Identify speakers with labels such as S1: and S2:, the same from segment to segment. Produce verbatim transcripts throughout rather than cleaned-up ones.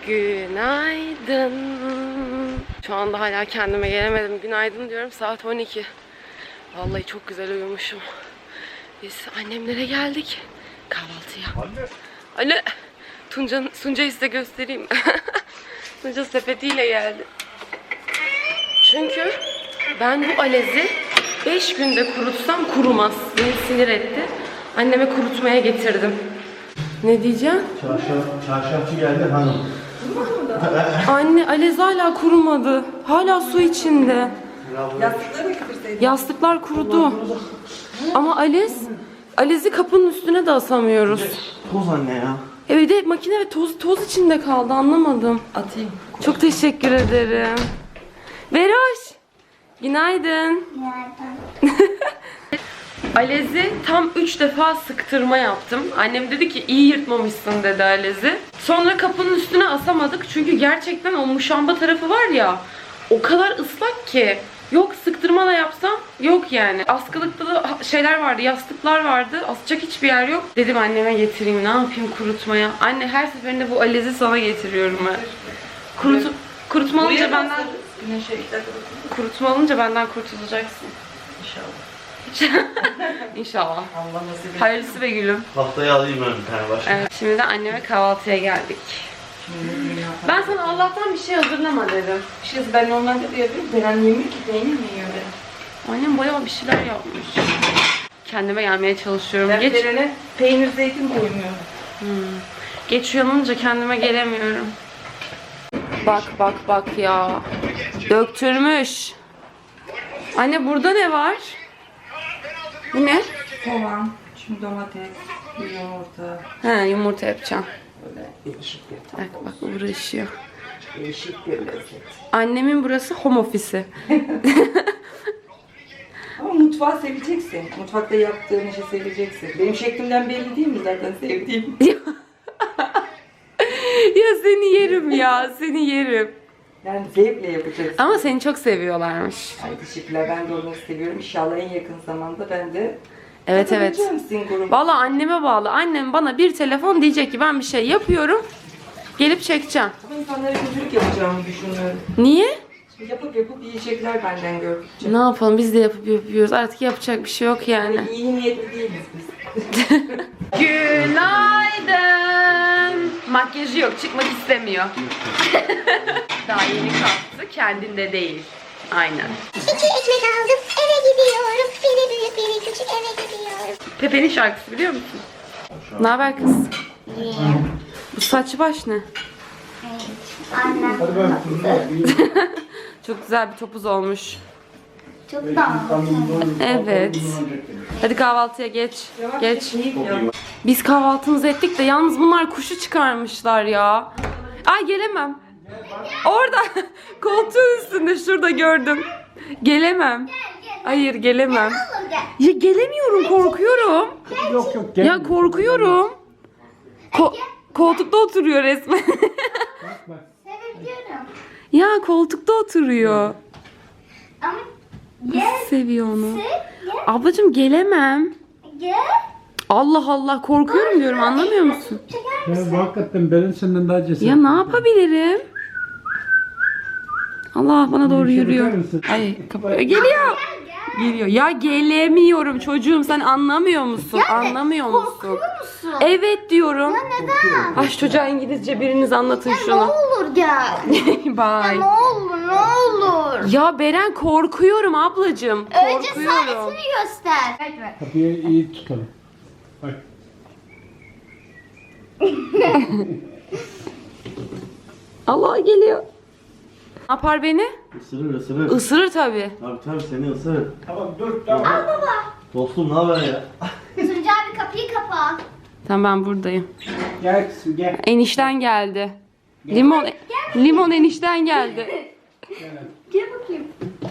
S1: Günaydın. Şu anda hala kendime gelemedim. Günaydın diyorum. Saat on iki. Vallahi çok güzel uyumuşum. Biz annemlere geldik. Kahvaltıya. Anne. Anne. Tunca, Tunca'yı size göstereyim. Tunca sepetiyle geldi. Çünkü ben bu alezi beş günde kurutsam kurumaz. Beni sinir etti. Anneme kurutmaya getirdim. Ne diyeceğim?
S2: Çarşaf, çarşafçı geldi hanım.
S1: Anne, alez hala kurumadı. Hala su içinde.
S3: Yastıkları mı getirseydin?
S1: Yastıklar kurudu. Ama alez, alezi kapının üstüne de asamıyoruz.
S2: Toz anne ya.
S1: Evet de makine ve toz toz içinde kaldı, anlamadım.
S3: Atayım.
S1: Çok teşekkür ederim. Veroş. Günaydın.
S4: Günaydın.
S1: Alezi tam üç defa sıktırma yaptım. Annem dedi ki iyi yırtmamışsın dedi alezi. Sonra kapının üstüne asamadık. Çünkü gerçekten o muşamba tarafı var ya, o kadar ıslak ki. Yok sıktırma da yapsam yok yani. Askılıkta da şeyler vardı, yastıklar vardı. Asacak hiçbir yer yok. Dedim anneme getireyim, ne yapayım kurutmaya. Anne her seferinde bu alezi sana getiriyorum ben. Kurut, kurutma alınca benden...
S3: Güneşe gider.
S1: Kurutma alınca benden kurtulacaksın.
S3: İnşallah.
S1: İnşallah.
S3: Allah nasip etsin.
S1: Hayırlısı be gülüm.
S2: Haftaya alayım ben bir tane başka.
S1: Evet, şimdi de anneme kahvaltıya geldik.
S3: Şimdi dünya
S1: Ben sana Allah'tan bir şey hazırlama dedim.
S3: Bir şey ben normalde de yapıyorum. Beren yemiyor ki, peynir mi yiyor Beren?
S1: Annem bayağı bir şeyler yapmış. Kendime gelmeye çalışıyorum.
S3: Ben
S1: Geç,
S3: Beren'e peynir zeytin koymuyorum.
S1: hmm. Geç uyanınca kendime gelemiyorum. Bak bak bak ya. Döktürmüş. Anne burada ne var? Bu ne?
S3: Soğan, şimdi domates, bir yumurta.
S1: He, yumurta yapacağım.
S3: Böyle değişik bir tat.
S1: Bak bak uğraşıyor.
S3: Değişik bir lezzet.
S1: Annemin burası home ofisi.
S3: Ama mutfağı seveceksin. Mutfakta yaptığın işi seveceksin. Benim şeklimden belli değil mi zaten sevdiğim?
S1: Ya seni yerim ya, seni yerim.
S3: Yani zevkle yapacaksın.
S1: Ama seni çok seviyorlarmış.
S3: Ay teşekkürler. Ben de onları seviyorum. İnşallah en yakın zamanda ben de
S1: Evet evet.
S3: katılacağım sizin gruba.
S1: Valla anneme bağlı. Annem bana bir telefon diyecek ki ben bir şey yapıyorum. Gelip çekeceğim.
S3: Ama insanlara kötülük yapacağımı düşünüyorum.
S1: Niye?
S3: Yapıp yapıp yiyecekler benden gördükçe.
S1: Ne yapalım, biz de yapıp yapıyoruz. Artık yapacak bir şey yok yani.
S3: Yani iyi niyetli değiliz biz.
S1: Günaydın. Makyajı yok, çıkmak istemiyor. Daha yeni kalktı, kendinde değil. Aynen.
S4: İki ekmek aldım, eve gidiyorum. Biri büyük, biri küçük, eve gidiyorum.
S1: Pepe'nin şarkısı biliyor musun? Ne haber kız? Bu saç baş ne?
S4: Annem
S1: Çok güzel bir topuz olmuş.
S4: çok dağıldı.
S1: Evet. Hadi kahvaltıya geç. Geç.
S3: İyi ya.
S1: Biz kahvaltımızı ettik de yalnız bunlar kuşu çıkarmışlar ya. Ay gelemem. Orada koltuğun üstünde şurada gördüm. Gelemem. Hayır gelemem.
S4: Olur gel.
S1: Ya gelemiyorum, korkuyorum.
S2: Yok yok
S1: Ya korkuyorum. Ko- koltukta oturuyor resmen.
S4: Sevebiliyorum.
S1: Ya koltukta oturuyor.
S4: Ama gel,
S1: Seviyor onu.
S4: gel,
S1: Ablacığım gelemem.
S4: gel.
S1: Allah Allah, korkuyorum diyorum, anlamıyor musun?
S4: Çeker
S5: Ya
S4: misin?
S5: bu hakikaten Beren senden daha cesaretli.
S1: Ya ne yapabilirim? Allah bana doğru
S5: Bir şey
S1: yürüyor.
S5: bakar mısın?
S1: Ay kapı geliyor. Geliyor. Ya gelemiyorum çocuğum, sen anlamıyor musun? Anlamıyor musun?
S4: Korkuyor musun?
S1: Evet diyorum.
S4: Neden?
S1: Ay şu çocuğa İngilizce biriniz anlatın
S4: Ne
S1: şunu.
S4: olur gel.
S1: Bye.
S4: Ne olur, ne olur.
S1: Ya Beren, korkuyorum ablacığım.
S4: Önce
S1: Korkuyorum.
S4: saatini göster. Evet.
S5: Kapıyı iyi tutalım. Bak.
S1: Allah geliyor. Ne yapar beni?
S2: Isırır ısırır.
S1: Isırır tabii.
S2: Tabii tabii seni ısırır.
S5: Tamam dur tamam.
S4: Al baba.
S2: Dostum ne haber ya?
S4: Tuncay abi kapıyı kapa.
S1: Tamam, ben buradayım.
S5: Gel kızım gel.
S1: Enişten geldi. Limon limon enişten geldi.
S4: Gel bakayım.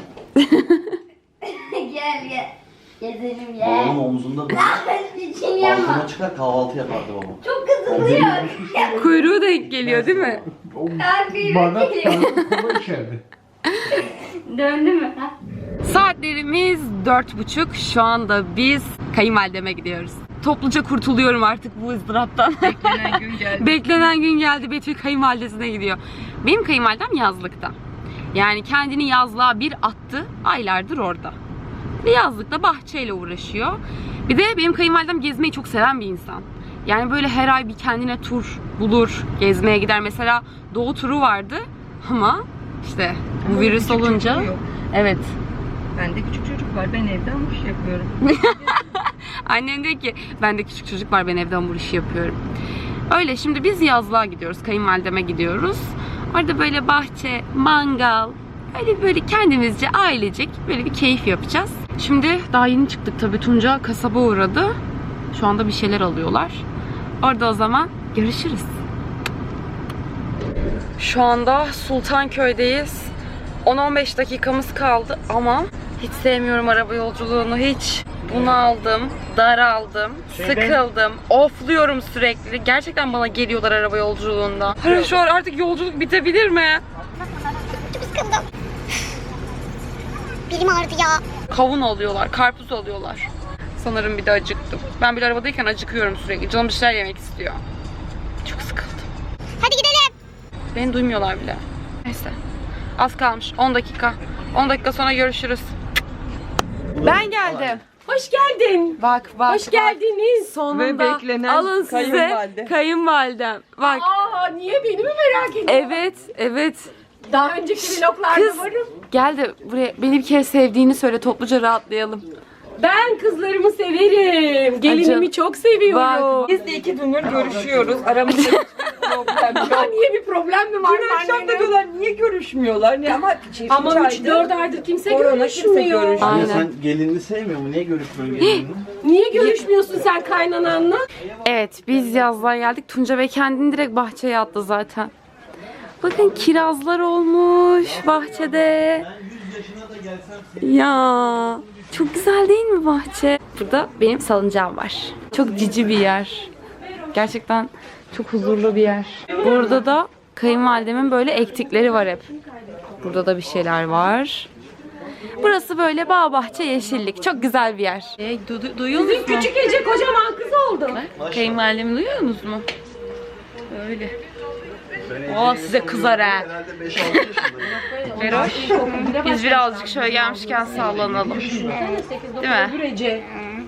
S4: gel gel. Gezelim
S2: Babamın
S4: gel.
S2: omzunda da
S4: İçini yapma.
S2: balkona çıkar kahvaltı yapardı babam.
S4: Çok kızılıyor.
S1: Kuyruğu denk geliyor değil mi?
S4: Kalbime
S5: Bardak
S4: geliyor.
S5: kola içerdi.
S4: Döndü mü? Ha?
S1: Saatlerimiz dört buçuk. Şu anda biz kayınvalideme gidiyoruz. topluca kurtuluyorum artık bu ızdıraptan.
S3: Beklenen gün geldi.
S1: Beklenen gün geldi. Betül kayınvalidesine gidiyor. Benim kayınvalidem yazlıkta. Yani kendini yazlığa bir attı. Aylardır orada. Ve yazlıkta bahçeyle uğraşıyor. Bir de benim kayınvalidem gezmeyi çok seven bir insan. Yani böyle her ay bir kendine tur bulur. Gezmeye gider. Mesela doğu turu vardı. Ama işte bu
S3: Ama
S1: virüs
S3: küçük
S1: olunca.
S3: çocuğu yok.
S1: Evet.
S3: Bende küçük çocuk var. Ben evde hamur işi yapıyorum.
S1: Annem diyor ki bende küçük çocuk var, ben evde hamur işi yapıyorum. Öyle şimdi biz yazlığa gidiyoruz. Kayınvalideme gidiyoruz. Orada böyle bahçe, mangal, böyle böyle kendimizce ailecek böyle bir keyif yapacağız. Şimdi daha yeni çıktık tabii. Tunca kasaba uğradı. Şu anda bir şeyler alıyorlar. Orada o zaman görüşürüz. Şu anda Sultanköy'deyiz. on on beş dakikamız kaldı ama hiç sevmiyorum araba yolculuğunu, hiç. Bunaldım, daraldım, sıkıldım, ofluyorum sürekli. Gerçekten bana geliyorlar araba yolculuğunda. Hayır, şu an artık yolculuk bitebilir mi?
S4: Çok sıkıldım. Belim ağrıdı ya.
S1: Kavun alıyorlar, karpuz alıyorlar. Sanırım bir de acıktım. Ben bile arabadayken acıkıyorum sürekli. Canım bir şeyler yemek istiyor. Çok sıkıldım.
S4: Hadi gidelim.
S1: Beni duymuyorlar bile. Neyse. Az kalmış. on dakika. on dakika sonra görüşürüz. Ben geldim.
S6: Hoş geldin.
S1: Bak bak.
S6: Hoş geldiniz.
S1: Sonunda
S3: Ve beklenen
S1: alın size
S3: kayınvalide.
S1: kayınvalidem. Bak.
S6: Aa, niye beni mi merak ediyorsun?
S1: Evet, evet.
S6: Daha önceki vloglarda
S1: Kız
S6: varım.
S1: gel de buraya beni bir kere sevdiğini söyle, topluca rahatlayalım.
S6: Ben kızlarımı severim. Gelinimi
S1: Acı.
S6: çok seviyorum.
S1: Bak.
S3: Biz de iki gündür görüşüyoruz. Aramızda hiçbir problem yok.
S6: Aa, niye bir problem mi var?
S3: Dün akşam da
S6: annene?
S3: diyorlar niye görüşmüyorlar? Ne ama çift
S6: Ama üç
S3: aydır
S6: dört aydır kimse
S3: korona kimse
S6: görüşmüyor.
S3: görüşmüyor.
S1: Aynen.
S2: Ya sen gelinini sevmiyor mu? Niye görüşmüyorsun gelinini?
S6: Niye görüşmüyorsun sen kaynananla?
S1: Evet, biz yazlığa geldik. Tunca Bey kendini direkt bahçeye attı zaten. Bakın kirazlar olmuş bahçede. Ya çok güzel değil mi bahçe? Burada benim salıncağım var. Çok cici bir yer. Gerçekten çok huzurlu bir yer. Burada da kayınvalidemin böyle ektikleri var hep. Burada da bir şeyler var. Burası böyle bağ bahçe yeşillik. Çok güzel bir yer. E, du du duyuyor musunuz?
S6: Küçük Ece kocaman kız oldu.
S1: Kayınvalidemi duyuyorsunuz mu? Öyle. O size kızar ha.
S2: Herhalde beş altı yaşındayım.
S1: Feroş. Biz birazcık şöyle gelmişken sallanalım. Değil mi?
S6: Ece.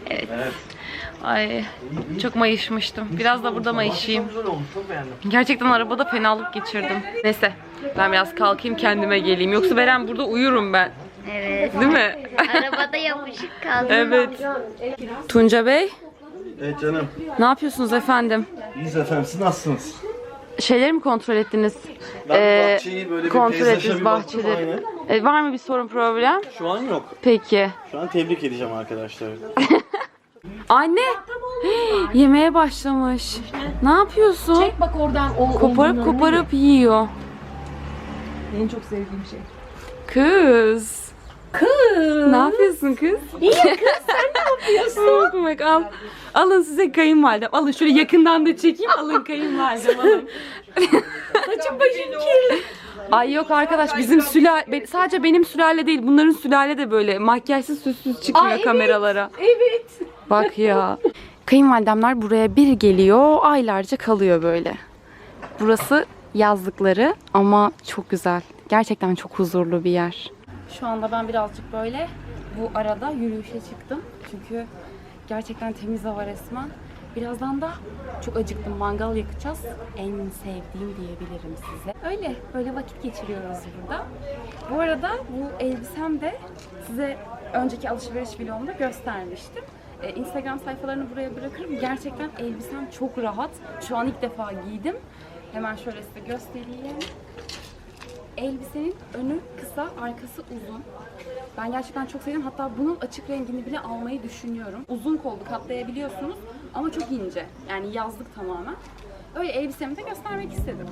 S1: Ay çok mayışmıştım. Biraz da burada mayışayım.
S2: Güzel olmuş, çok beğendim.
S1: Gerçekten arabada fenalık geçirdim. Neyse ben biraz kalkayım kendime geleyim. Yoksa Beren burada uyurum ben.
S4: Evet.
S1: Değil mi?
S4: Arabada yapışık kaldım.
S1: Evet. Tunca Bey,
S2: Evet canım.
S1: ne yapıyorsunuz efendim?
S2: İyiyiz efendim, siz nasılsınız?
S1: Şeyleri mi kontrol ettiniz?
S2: Ben
S1: Ee,
S2: bahçeyi böyle bir
S1: kontrol
S2: peyzaja
S1: ettiniz
S2: bir baktım,
S1: bahçeleri.
S2: aynen.
S1: E, var mı bir sorun, problem?
S2: Şu an yok.
S1: Peki.
S2: Şu an tebrik edeceğim arkadaşlar.
S1: Anne! Yemeğe başlamış. Ne yapıyorsun?
S6: Çek bak oradan o
S1: Koparıp
S6: omzundan.
S1: koparıp yiyor.
S3: En çok sevdiğim şey.
S1: Kız.
S6: Kız.
S1: Ne yapıyorsun kız?
S6: İyi kız sen ne yapıyorsun?
S1: Bak al. Alın size kayınvalidem. Alın şöyle yakından da çekeyim. Alın kayınvalidem alın.
S6: Saçım başım kirli.
S1: Ay yok arkadaş, bizim sülale sadece benim sülale değil, bunların sülale de böyle makyajsız süssüz çıkmıyor
S6: Ay, evet.
S1: kameralara.
S6: Evet.
S1: Bak ya. Kayınvalidemler buraya bir geliyor, aylarca kalıyor böyle. Burası yazlıkları ama çok güzel. Gerçekten çok huzurlu bir yer. Şu anda ben birazcık böyle bu arada yürüyüşe çıktım. Çünkü gerçekten temiz hava resmen. Birazdan da çok acıktım. Mangal yakacağız. En sevdiğim diyebilirim size. Öyle. Böyle vakit geçiriyoruz burada. Bu arada bu elbisem de size önceki alışveriş vlogumda göstermiştim. Ee, Instagram sayfalarını buraya bırakırım. Gerçekten elbisem çok rahat. Şu an ilk defa giydim. Hemen şöyle size göstereyim. Elbisenin önü kısa, arkası uzun. Ben gerçekten çok sevdim. Hatta bunun açık rengini bile almayı düşünüyorum. Uzun kollu, katlayabiliyorsunuz ama çok ince. Yani yazlık tamamen. Öyle elbisemi de göstermek istedim.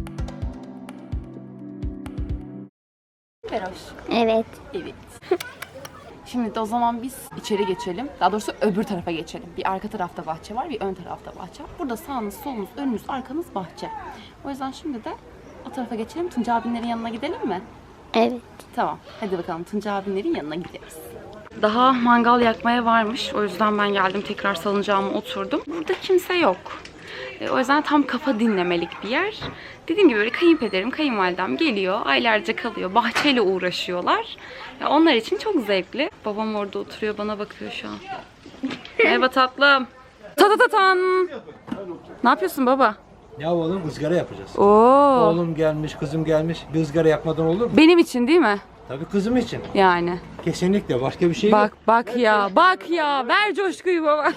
S1: Feroş.
S4: Evet.
S1: Evet. Şimdi de o zaman biz içeri geçelim. Daha doğrusu öbür tarafa geçelim. Bir arka tarafta bahçe var, bir ön tarafta bahçe var. Burada sağınız, solunuz, önünüz, arkanız bahçe. O yüzden şimdi de o tarafa geçelim. Tunca abinlerin yanına gidelim mi?
S4: Evet.
S1: Tamam. Hadi bakalım Tunca abinlerin yanına gidiyoruz. Daha mangal yakmaya varmış. O yüzden ben geldim, tekrar salıncağıma oturdum. Burada kimse yok. E, o yüzden tam kafa dinlemelik bir yer. Dediğim gibi böyle kayınpederim, kayınvalidem geliyor. Aylarca kalıyor. Bahçeyle uğraşıyorlar. Ya onlar için çok zevkli. Babam orada oturuyor, bana bakıyor şu an. Merhaba tatlım. Tatatatan. Ne yapıyorsun baba?
S7: Ya oğlum ızgara yapacağız.
S1: Oo.
S7: Oğlum gelmiş, kızım gelmiş. Bir ızgara yapmadan olur mu?
S1: Benim için değil mi?
S7: Tabii kızım için.
S1: Yani.
S7: Kesinlikle başka bir şey
S1: Bak
S7: yok.
S1: bak ya, bak ya. Ver coşkuyu baba.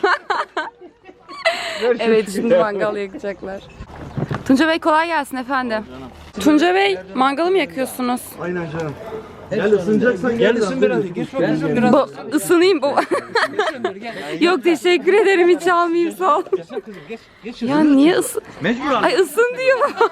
S1: Evet, şimdi mangal yakacaklar. Tunca Bey kolay gelsin efendim. Tunca Bey, mangalı mı yakıyorsunuz?
S2: Aynen canım. Gel ısınacaksan gel.
S7: Gel ısın biraz. Geç bakalım biraz.
S1: Bu ısınayım baba. Yok teşekkür ederim, hiç almayayım, sağ ol.
S7: Gelsene kızım geç. Geç
S1: Ya niye ısın?
S2: Mecburen.
S1: Ay ısın diyor baba.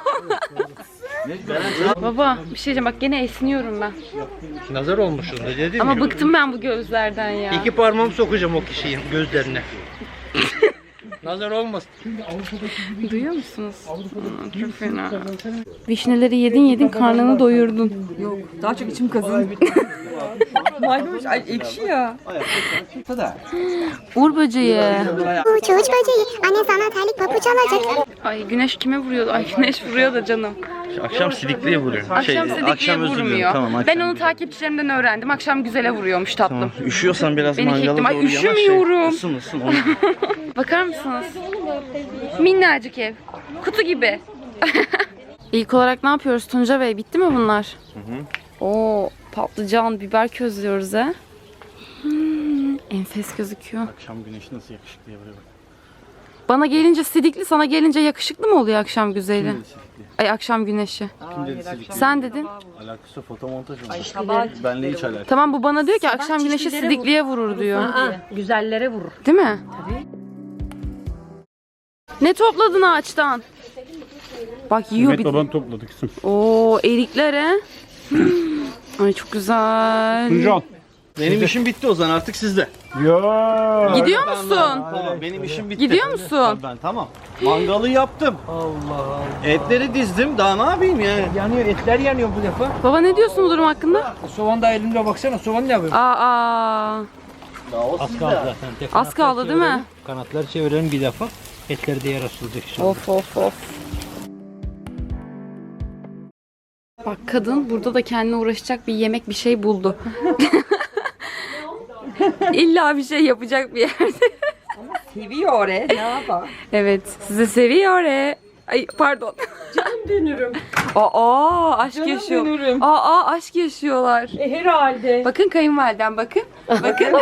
S1: Baba bir şey diyeceğim, bak gene esniyorum ben.
S7: Nazar olmuşsun da dedim
S1: Ama
S7: ya.
S1: bıktım ben bu gözlerden ya.
S7: İki parmağımı sokacağım o kişinin gözlerine. Nazar olmasın.
S1: Duyuyor musunuz? Aa, çok fena. Vişneleri yedin yedin karnını doyurdun.
S3: Yok. Daha çok içim kazın. Maymuş. Ay ekşi ya.
S1: Uğur böceği.
S4: Uçuş böceği. Anne sana terlik papuç alacak.
S1: Ay güneş kime vuruyor? Ay güneş vuruyor da canım.
S2: Akşam sidikliye vuruyor.
S1: Akşam sidikliye vurmuyor.
S2: Tamam,
S1: ben onu takipçilerimden öğrendim. Akşam güzele vuruyormuş tatlım.
S2: Tamam. Üşüyorsan biraz
S1: Beni
S2: mangala
S1: çektim. Ay,
S2: doğru yanaş.
S1: üşümüyorum.
S2: Isın ısın. Onu...
S1: Bakar mısınız? Minnacık ev. Kutu gibi. İlk olarak ne yapıyoruz Tunca Bey? Bitti mi bunlar? Hı hı. Oo, patlıcan, biber közlüyoruz ha. Hmm, enfes gözüküyor.
S2: Akşam güneşi nasıl yakışıklıya vuruyor bak.
S1: Bana gelince sidikli, sana gelince yakışıklı mı oluyor akşam güzeli?
S2: Kim dedi sidikli?
S1: Ay akşam güneşi.
S2: Kim dedi sidikli?
S1: Sen dedin.
S2: Alakası fotomontaj mı? Benle hiç alakası.
S1: Tamam, bu bana diyor ki akşam güneşi sidikliye vurur diyor.
S6: Aa, güzellere vurur.
S1: Değil mi? Tabii. Ne topladın ağaçtan? Bak yiyor bir.
S5: baban topladı kızım.
S1: Oo, erikler he. Hmm. Ay çok güzel.
S5: Tuncan.
S2: Benim işim bitti o zaman, artık sizde.
S5: Ya.
S1: Gidiyor musun?
S2: Tamam, benim işim bitti.
S1: Gidiyor musun?
S2: Ben tamam. Mangalı yaptım.
S7: Allah Allah.
S2: Etleri dizdim. Daha ne yapayım yani?
S7: Yanıyor, etler yanıyor bu defa.
S1: Baba ne diyorsun bu durum hakkında?
S7: Soğan da elimde baksana, soğan ne yapıyor?
S1: Aa,
S7: Az kaldı zaten. Tek
S1: az
S7: kanatlar
S1: kaldı değil mi?
S7: çevirelim. Kanatlar çevirelim bir defa. Etler diğer asılacak inşallah.
S1: Of of of. Bak kadın burada da kendine uğraşacak bir yemek, bir şey buldu. İlla bir şey yapacak bir yerde.
S3: Seviyor oraya. Ne yapar?
S1: Evet, sizi seviyor e. Ay pardon.
S6: Canım dönürüm.
S1: Aa, aşk
S6: Canım
S1: yaşıyor.
S6: dönürüm.
S1: Aa, aşk yaşıyorlar.
S6: E, herhalde.
S1: Bakın kayınvalidem, bakın. Bakın.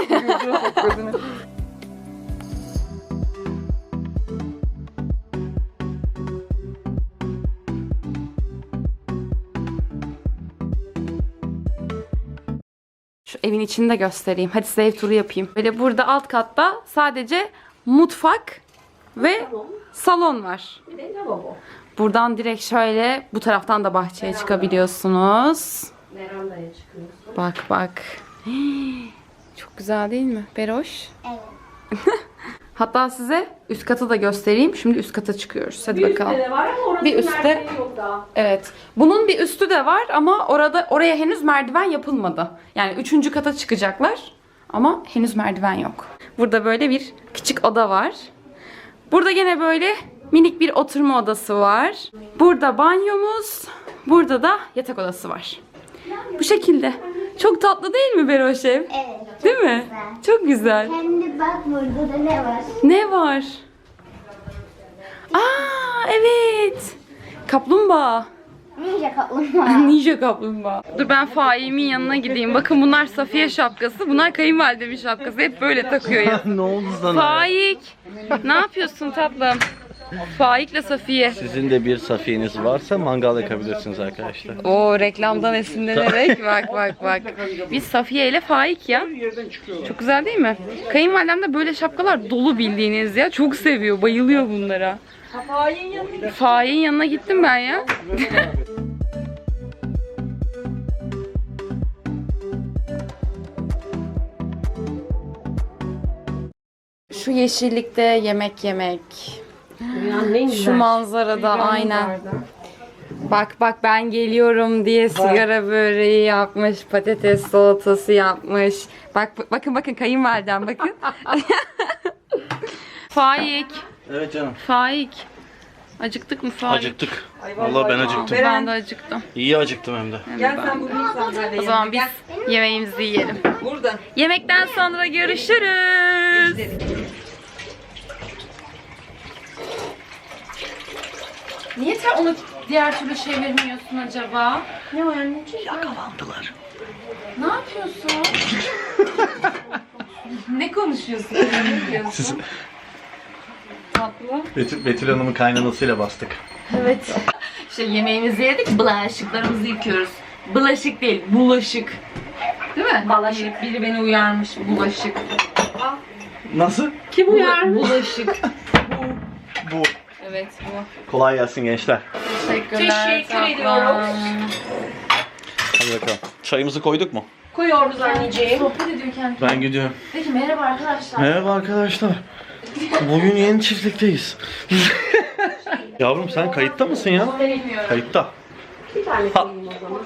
S1: Şu evin içini de göstereyim. Hadi size ev turu yapayım. Böyle burada alt katta sadece mutfak ve salon var. Buradan direkt şöyle bu taraftan da bahçeye çıkabiliyorsunuz.
S6: Verandaya çıkıyoruz.
S1: Bak bak. Çok güzel değil mi? Beroş.
S4: Evet.
S1: Hatta size üst katı da göstereyim. Şimdi üst kata çıkıyoruz. Hadi bakalım.
S6: de var ama orası
S1: Bir üstte-
S6: merdiven yok daha.
S1: Evet. Bunun bir üstü de var ama orada oraya henüz merdiven yapılmadı. Yani üçüncü kata çıkacaklar ama henüz merdiven yok. Burada böyle bir küçük oda var. Burada gene böyle minik bir oturma odası var. Burada banyomuz. Burada da yatak odası var. Bu şekilde. Çok tatlı değil mi Beroş ev?
S4: Evet.
S1: Değil mi? Çok güzel.
S4: Şimdi bak burada da ne var?
S1: Ne var? Aa evet. Kaplumbağa.
S4: Ninja kaplumbağa.
S1: Ninja kaplumbağa. Dur ben Faik'imin yanına gideyim. Bakın bunlar Safiye şapkası. Bunlar kayınvalidemin şapkası. Hep böyle takıyor ya.
S2: Ne oldu sana?
S1: Faik. Ne yapıyorsun tatlım? Faik'le Safiye.
S2: Sizin de bir safiyeniz varsa mangal yakabilirsiniz arkadaşlar.
S1: O reklamdan esinlenerek bak bak bak. Biz Safiye ile Faik ya. Çok güzel değil mi? Kayınvalidem de böyle şapkalar dolu bildiğiniz ya. Çok seviyor, bayılıyor bunlara. Faik'in yanına gittim ben ya. Şu yeşillikte yemek yemek.
S6: Dünyanın en güzel
S1: Şu manzarada aynen.
S6: manzarada.
S1: Bak bak ben geliyorum diye sigara böreği yapmış, patates salatası yapmış. Bak bakın bakın kayınvalidem bakın. Faik,
S2: Evet canım.
S1: Faik. Acıktık mı Faik?
S2: Acıktık. Vallahi ben acıktım.
S1: Ben de acıktım.
S2: İyi acıktım hem de.
S3: Gel sen burada insanlarla
S1: O zaman biz yemeğimizi yiyelim.
S3: Burada.
S1: Yemekten sonra görüşürüz. Niye sen onu diğer türlü çevirmiyorsun acaba?
S6: Ne o anneciğim?
S2: Yakalandılar.
S1: Ne yapıyorsun? Ne konuşuyorsun? Ne diyorsun?
S2: Siz
S1: Tatlı.
S2: Betül, Betül Hanım'ın kaynanasıyla bastık.
S1: Evet. İşte yemeğimizi yedik, bulaşıklarımızı yıkıyoruz. Bulaşık değil, bulaşık. Değil mi? Bulaşık. Biri beni uyarmış, bulaşık.
S2: Nasıl?
S6: Kim uyar?
S1: Bulaşık.
S2: Bu.
S1: Evet bu.
S2: Kolay gelsin gençler.
S1: Teşekkürler.
S6: Teşekkür
S1: tatlım.
S6: ediyoruz.
S2: Hadi bakalım. Çayımızı koyduk mu?
S6: Koyuyoruz anneciğim.
S1: Sohbet ediyor kendi.
S2: Ben gidiyorum.
S1: Peki merhaba arkadaşlar.
S2: Merhaba arkadaşlar. Bugün yeni çiftlikteyiz. Yavrum sen kayıtta mısın ya?
S1: Bilmiyorum.
S2: Kayıtta.
S6: Bir tane koyayım o zaman.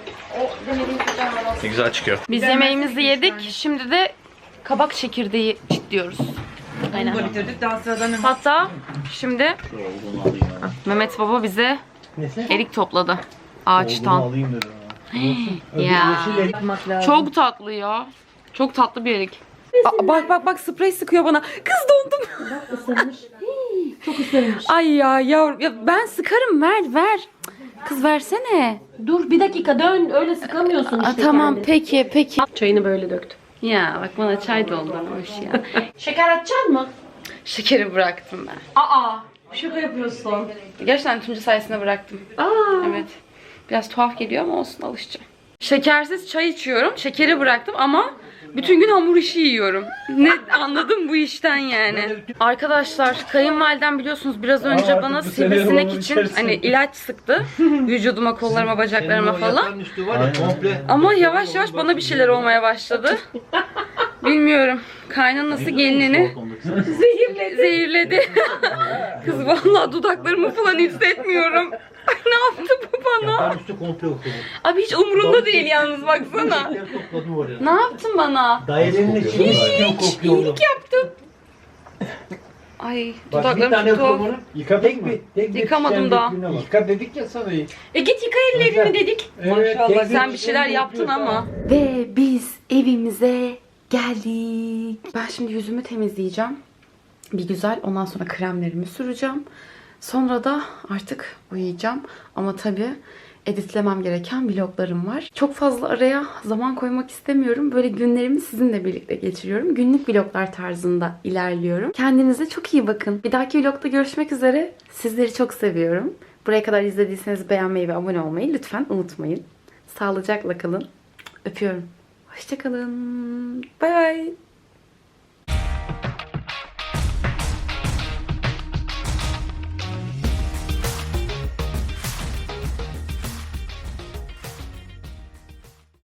S2: Ne güzel çıkıyor.
S1: Biz yemeğimizi yedik. Şimdi de kabak çekirdeği çitliyoruz. Aynen.
S3: Bunu bitirdik. Daha sıradan hemen.
S1: Hatta şimdi Mehmet Baba bize erik topladı ağaçtan.
S2: alayım dedim.
S1: Ya. Çok tatlı ya. Çok tatlı bir erik. Aa, bak bak bak sprey sıkıyor bana. Kız dondum.
S6: Isırmış. Çok ısırmış.
S1: Ay ya yavrum ya ben sıkarım ver ver. Kız versene.
S6: Dur bir dakika dön. Öyle sıkamıyorsun
S1: Aa,
S6: işte
S1: tamam
S6: kendini.
S1: peki peki.
S6: Çayını böyle döktüm.
S1: Ya bak bana çay doldurmuş ya.
S6: Şeker atacaksın mı?
S1: Şekeri bıraktım ben.
S6: Aa. Şaka yapıyorsun.
S1: Gerçekten Tunca sayesinde bıraktım.
S6: Aa.
S1: Evet. Biraz tuhaf geliyor ama olsun alışacağım. Şekersiz çay içiyorum. Şekeri bıraktım ama bütün gün hamur işi yiyorum. Ne anladım bu işten yani. Arkadaşlar kayınvalidem biliyorsunuz biraz önce bana sivrisinek için hani ilaç sıktı. Vücuduma, kollarıma, bacaklarıma falan. Ama yavaş yavaş bana bir şeyler olmaya başladı. Bilmiyorum. Kaynanası gelinini zehirledi. Zehirledi. Kız vallahi dudaklarımı falan hissetmiyorum. Ay ne yaptı bu bana?
S7: Üstü komple okudu.
S1: Abi hiç umurunda değil yalnız baksana.
S7: Topladım oraya.
S1: Ne yaptın bana?
S7: Dairenin içinde üstü kokuyor.
S1: İyilik yaptın. Ay
S7: Bak bir
S1: dudaklarım
S7: tane
S1: çok tuhaf.
S7: kumunu.
S5: Yıkadın
S7: Tek
S5: mı?
S7: bir, tek bir
S1: Yıkamadım
S7: çiçeğin
S1: daha.
S7: dökümüne bak.
S5: Yıka dedik ya sana.
S6: E git yıka ellerini dedik.
S5: Evet, tek bir
S1: Sen bir şeyler
S5: çiçeğin
S1: yaptın
S5: kokuyor.
S1: ama. Ve biz evimize geldik. Ben şimdi yüzümü temizleyeceğim. Bir güzel ondan sonra kremlerimi süreceğim. Sonra da artık uyuyacağım. Ama tabii editlemem gereken vloglarım var. Çok fazla araya zaman koymak istemiyorum. Böyle günlerimi sizinle birlikte geçiriyorum. Günlük vloglar tarzında ilerliyorum. Kendinize çok iyi bakın. Bir dahaki vlogda görüşmek üzere. Sizleri çok seviyorum. Buraya kadar izlediyseniz beğenmeyi ve abone olmayı lütfen unutmayın. Sağlıcakla kalın. Öpüyorum. Hoşçakalın. Bay bay.